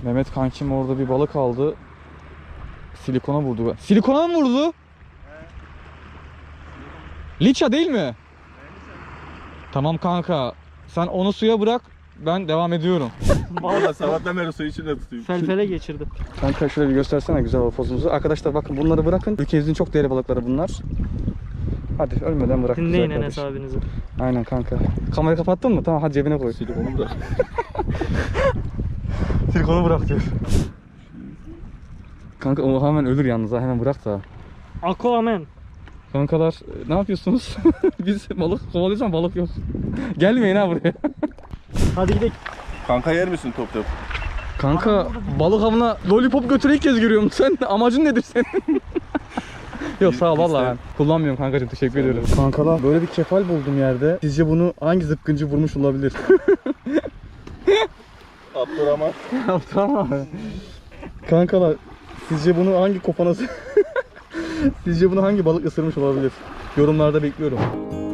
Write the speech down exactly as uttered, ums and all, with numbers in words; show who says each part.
Speaker 1: Mehmet kankim orada bir balık aldı. Silikona vurdu. Silikona mı vurdu? Liça değil mi? Tamam kanka. Sen onu suya bırak. Ben devam ediyorum.
Speaker 2: Valla sabahtan beri suyu içinde tutayım.
Speaker 3: Felfele geçirdi.
Speaker 1: Kanka şöyle bir göstersene güzel hava pozumuzu. Arkadaşlar bakın bunları bırakın. Ülkemizin çok değerli balıkları bunlar. Hadi ölmeden bırak.
Speaker 3: Dinleyin
Speaker 1: güzel
Speaker 3: Enes
Speaker 1: kardeşim.
Speaker 3: abinizi.
Speaker 1: Aynen kanka. Kamerayı kapattın mı? Tamam hadi cebine koy.
Speaker 2: Silikonu bırak.
Speaker 1: Silikonu bırak diyor. Kanka o hemen ölür yalnız ha, hemen bırak da.
Speaker 3: Aquaman.
Speaker 1: Kankalar ne yapıyorsunuz? Biz balık kovalıyoruz ama balık yok. Gelmeyin ha buraya.
Speaker 3: Hadi gidelim.
Speaker 2: Kanka yer misin top top?
Speaker 1: Kanka balık avına lollipop götürü ilk kez görüyorum. Sen amacın nedir senin? Yok sağ ol valla ben kullanmıyorum kankacığım, teşekkür ediyorum. Kankalar böyle bir kefal buldum yerde. Sizce bunu hangi zıpkıncı vurmuş olabilir?
Speaker 2: Abdurrahman.
Speaker 1: Tamam. Kankalar sizce bunu hangi kopanası sizce bunu hangi balık ısırmış olabilir? Yorumlarda bekliyorum.